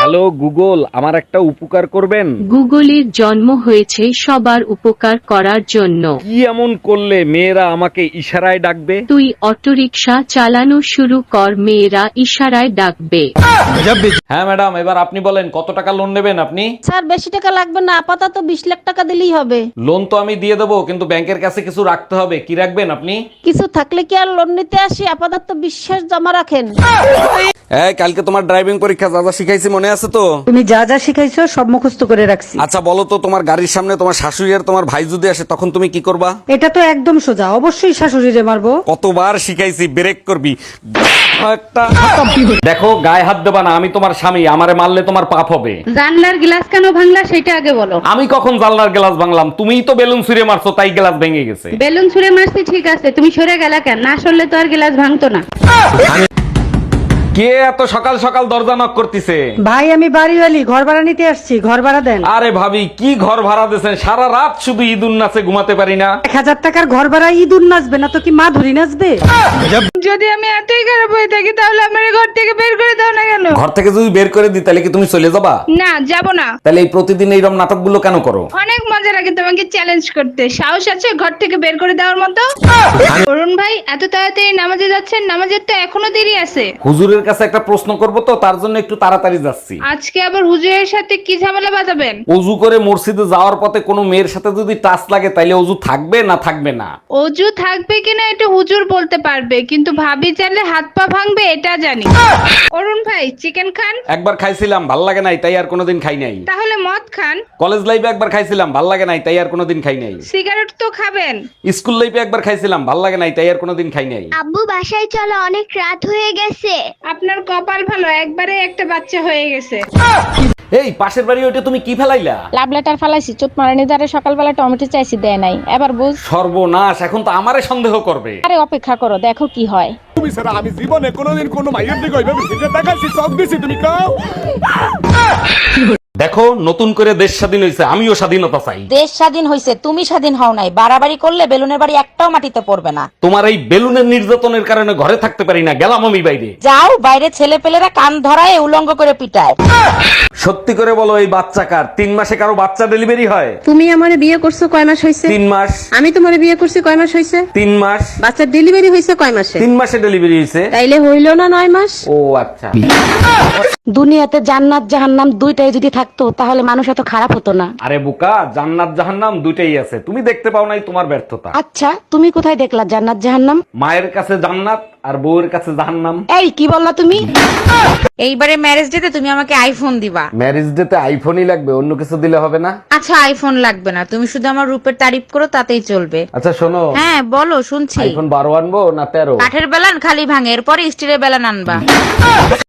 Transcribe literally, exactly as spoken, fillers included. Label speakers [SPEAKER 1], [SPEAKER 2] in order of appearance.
[SPEAKER 1] Hello Google, আমার একটা উপকার করবেন?
[SPEAKER 2] গুগলের জন্ম হয়েছে সবার উপকার করার জন্য।
[SPEAKER 1] কি এমন করলে মেয়েরা আমাকে ইশারায় ডাকবে?
[SPEAKER 2] তুই অটোরিকশা চালানো শুরু কর, মেয়েরা ইশারায় ডাকবে।
[SPEAKER 1] হ্যাঁ ম্যাডাম, এবার আপনি বলেন কত টাকা লোন নেবেন আপনি?
[SPEAKER 3] স্যার বেশি টাকা লাগবে না, আপাতত বিশ লাখ টাকা দিলেই হবে।
[SPEAKER 1] লোন তো আমি দিয়ে দেবো, কিন্তু ব্যাংকের কাছে কিছু রাখতে হবে। কি রাখবেন আপনি?
[SPEAKER 3] কিছু থাকলে কি আর লোন নিতে আসি? আপাতত বিশ্বাস জমা রাখেন।
[SPEAKER 1] এই কালকে তোমার ড্রাইভিং পরীক্ষা যা যা শিখাইছি মনে আছে তো?
[SPEAKER 4] তুমি যা যা শিখাইছো সব মুখস্থ করে রাখছি।
[SPEAKER 1] আচ্ছা বলো তো, তোমার গাড়ির সামনে তোমার শাশুড়ি আর তোমার ভাই যদি আসে তখন তুমি কি করবা?
[SPEAKER 4] এটা তো একদম সোজা, অবশ্যই শাশুড়িরে মারবো।
[SPEAKER 1] কতবার শিখাইছি, ব্রেক করবি একটা। দেখো গায়ে হাত দেবা না, আমি তোমার স্বামী, আমারে মারলে তোমার পাপ হবে।
[SPEAKER 5] জানলার গ্লাস কেন ভাঙলা সেটা আগে বলো।
[SPEAKER 1] আমি কখন জানলার গ্লাস ভাঙলাম? তুমিই তো বেলুন ছুঁড়ে মারছো, তাই গ্লাস ভেঙে গেছে।
[SPEAKER 5] বেলুন ছুঁড়ে মারছি ঠিক আছে, তুমি সরে গেলা কেন? না সরলে তো আর গ্লাস ভাঙতো না।
[SPEAKER 1] কে এত সকাল সকাল দরজা নক করতেছে?
[SPEAKER 4] ভাই আমি বাড়িওয়ালি, ঘর ভাড়া নিতে আসছি, ঘর ভাড়া দেন।
[SPEAKER 1] আরে ভাবি, কি ঘর ভাড়া দিয়েছেন? সারা রাত শুধু ঈদুন নাচে ঘুমাতে পারি না।
[SPEAKER 4] এক হাজার টাকার ঘর ভাড়া ইঁদুর নাচবে না তো কি মা ধরি নাচবে?
[SPEAKER 5] যদি আমি এতই খারাপ হয়ে থাকি তাহলে আমার ঘর থেকে বের করে দাও না কেন?
[SPEAKER 1] ঘর থেকে যদি বের করে দিই তাহলে কি তুমি চলে যাবা?
[SPEAKER 5] না, যাব না।
[SPEAKER 1] তাহলে এই প্রতিদিন এইরকম নাটকগুলো কেন করো?
[SPEAKER 5] অনেক মজা লাগে তোমাকে চ্যালেঞ্জ করতে। সাহস আছে ঘর থেকে বের করে দেওয়ার মতো? অরুণ ভাই এত তাড়াতাড়ি নামাজে যাচ্ছেন? নামাজের তো এখনো দেরি আছে।
[SPEAKER 1] হুজুরের কাছে একটা প্রশ্ন করব তো, তার জন্য একটু তাড়াতাড়ি যাচ্ছি।
[SPEAKER 5] আজকে আবার হুজুরের সাথে কি ঝামেলা বাঁধাবেন?
[SPEAKER 1] অজু করে মসজিদে যাওয়ার পথে কোনো মেয়ের সাথে যদি টাচ লাগে তাইলে অজু থাকবে না থাকবে না?
[SPEAKER 5] অজু থাকবে কিনা এটা হুজুর বলতে পারবে, কিন্তু ভাবি চাইলে হাত পা ভাঙবে এটা জানি। অরুণ ভাই চিকেন খান?
[SPEAKER 1] একবার খাইছিলাম, ভাল লাগে নাই, তাই আর কোনোদিন খাই নাই।
[SPEAKER 5] তাহলে মদ খান?
[SPEAKER 1] কলেজ লাইফে একবার খাইছিলাম, ভাল লাগে নাই, তাই আর কোনোদিন খাই নাই।
[SPEAKER 5] সিগারেট তো খাবেন?
[SPEAKER 1] স্কুল লাইফে একবার খাইছিলাম, ভাল লাগে নাই, তাই আর কোনোদিন খাই নাই।
[SPEAKER 6] আব্বু বাসায় চলো, অনেক রাত হয়ে গেছে।
[SPEAKER 5] আপনার কপাল ভালো, একবারে একটা বাচ্চা হয়ে গেছে।
[SPEAKER 1] এই পাশের বাড়ি ওইটা তুমি কি ফেলাইলা?
[SPEAKER 3] লাভ লেটার ফালাইছি, চোট মারানি দ্বারে সকালবেলা টমেটো চাইছি, দেয় নাই। এবার বুঝ।
[SPEAKER 1] সর্বনাশ, এখন তো আমারে সন্দেহ করবে।
[SPEAKER 3] আরে অপেক্ষা করো, দেখো কি হয়।
[SPEAKER 7] তুমি ছাড়া আমি জীবনে কোনোদিন কোনো মাইয়ের দিকে ওইভাবে ফিরে তাকাইছি, সব দিছি, তুমি কাও।
[SPEAKER 1] দেখো নতুন করে দেশ স্বাধীন হয়েছে, আমিও স্বাধীনতা চাই।
[SPEAKER 8] দেশ স্বাধীন হয়েছে, তুমি স্বাধীন হও নাই। বাড়াবাড়ি করলে বেলুনের বাড়ি একটাও মাটিতে পড়বে না।
[SPEAKER 1] তোমার এই বেলুনের নির্যাতনের কারণে ঘরে থাকতে পারি না, গেলাম আমি বাইরে।
[SPEAKER 8] যাও বাইরে, ছেলে পেলেরা কান ধরায় উলঙ্গ করে পিটায়।
[SPEAKER 1] সত্যি করে বলো, এই বাচ্চা কার? তিন মাসে কারো বাচ্চা ডেলিভারি হয়?
[SPEAKER 5] তুমি আমারে বিয়ে করছো কয় মাস হয়েছে?
[SPEAKER 1] তিন মাস।
[SPEAKER 5] আমি তোমারে বিয়ে করছি কয় মাস হয়েছে?
[SPEAKER 1] তিন মাস।
[SPEAKER 5] বাচ্চার ডেলিভারি হয়েছে কয় মাসে?
[SPEAKER 1] তিন মাসে ডেলিভারি হয়েছে।
[SPEAKER 5] তাইলে হইল না নয় মাস?
[SPEAKER 1] ও আচ্ছা।
[SPEAKER 8] দুনিয়াতে জান্নাত জাহান্নাম দুইটাই যদি থাকতো তাহলে মানুষ এত খারাপ হতো না।
[SPEAKER 1] আরে বোকা, জান্নাত জাহান্নাম দুইটাই আছে, তুমি দেখতে পাও নাই, তোমার ব্যর্থতা।
[SPEAKER 8] আচ্ছা তুমি কোথায় দেখলা জান্নাত জাহান্নাম?
[SPEAKER 1] মায়ের কাছে জান্নাত আর বউয়ের কাছে জাহান্নাম।
[SPEAKER 8] এই কি বললা তুমি? এইবারে ম্যারেজ ডেতে তুমি আমাকে আইফোন দিবা।
[SPEAKER 1] ম্যারেজ ডেতে আইফোনই লাগবে, অন্য কিছু দিলে হবে না?
[SPEAKER 8] আচ্ছা আইফোন লাগবে না, তুমি শুধু আমার রূপের তারিফ করো তাতেই চলবে।
[SPEAKER 1] আচ্ছা শোনো।
[SPEAKER 8] হ্যাঁ বলো, শুনছি।
[SPEAKER 1] আইফোন বারো আনবো না তেরো?
[SPEAKER 8] কাঠের বেলান খালি ভাঙে, এরপরে স্টিলের বেলান আনবা।